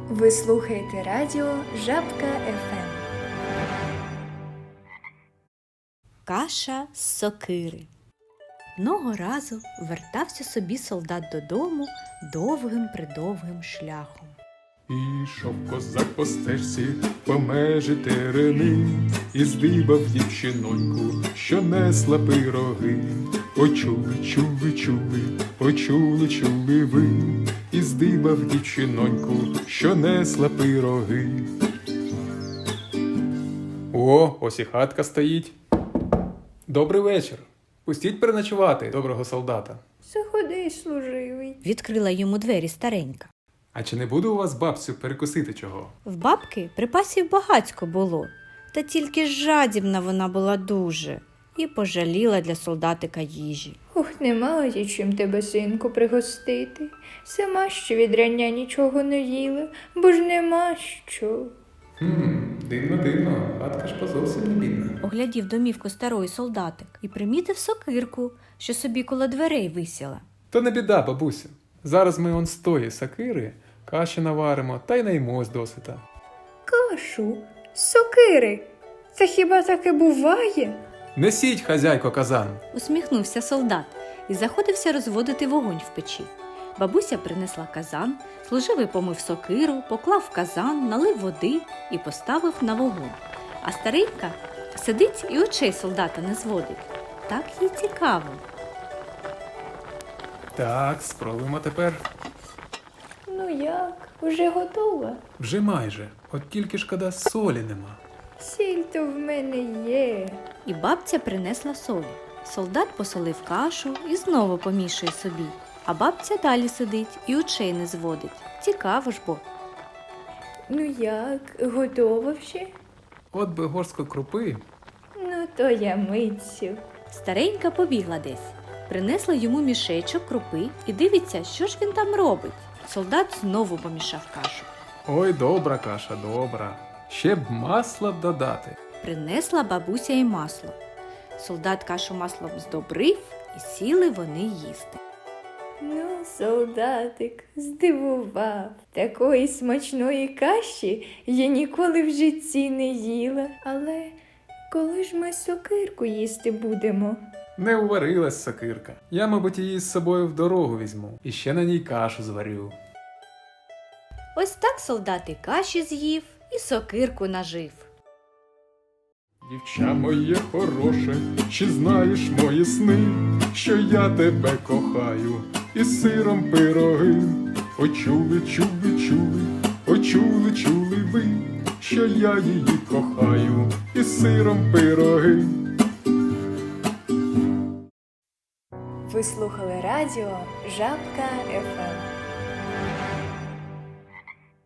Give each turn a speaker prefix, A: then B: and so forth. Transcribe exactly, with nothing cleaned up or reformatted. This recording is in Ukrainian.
A: Ви слухаєте радіо Жабка еф ем.
B: Каша з сокири. Одного разу вертався собі солдат додому довгим-придовгим шляхом.
C: Ішов козак по стежці по межі терени, і здибав дівчиноньку, що несла пироги. Почули, чули, чули, почули, чули ви, і здибав дівчиноньку, що несла пироги. О, ось і хатка стоїть. Добрий вечір. Пустіть переночувати доброго солдата.
A: Заходи, служивий.
B: Відкрила йому двері старенька.
C: А чи не буде у вас, бабцю, перекусити чого?
B: В бабки припасів багацько було, та тільки жадібна вона була дуже і пожаліла для солдатика їжі.
A: Ух, нема ось чим тебе, синку, пригостити. Сама ще від рання нічого не їла, бо ж нема що.
C: Хм, дивно, дивно, хатка ж позовсім не бідна.
B: Оглядів домівку старої солдатик і примітив сокирку, що собі коло дверей висіла.
C: То не біда, бабусю. Зараз ми он з тої сокири каші наваримо та й наймось досита.
A: Кашу? Сокири? Це хіба таке буває?
C: Несіть, хазяйко, казан.
B: Усміхнувся солдат і заходився розводити вогонь в печі. Бабуся принесла казан, служивий помив сокиру, поклав в казан, налив води і поставив на вогонь. А старенька сидить і очей солдата не зводить. Так їй цікаво.
C: Так, спробуємо тепер.
A: Ну як, уже готова?
C: Вже майже. От тільки шкода, солі нема.
A: Сіль то в мене є.
B: І бабця принесла солі. Солдат посолив кашу і знову помішує собі. А бабця далі сидить і очей не зводить. Цікаво ж бо.
A: Ну як, готова вже?
C: От би горстку крупи.
A: Ну то я митцю.
B: Старенька побігла десь. Принесла йому мішечок крупи і дивиться, що ж він там робить. Солдат знову помішав кашу.
C: Ой, добра каша, добра. Ще б масла б додати.
B: Принесла бабуся й масло. Солдат кашу маслом здобрив і сіли вони їсти.
A: Ну, солдатик, здивував. Такої смачної каші я ніколи в житті не їла. Але коли ж ми сокирку їсти будемо?
C: Не уварилась сокирка. Я, мабуть, її з собою в дорогу візьму. І ще на ній кашу зварю.
B: Ось так солдат і каші з'їв, і сокирку нажив.
C: Дівча моє хороше, чи знаєш мої сни, що я тебе кохаю, і сиром пироги. Почули, чули, чули, почули, чули ви, що я її кохаю, і сиром пироги.
A: Ви слухали радіо Жабка еф ем.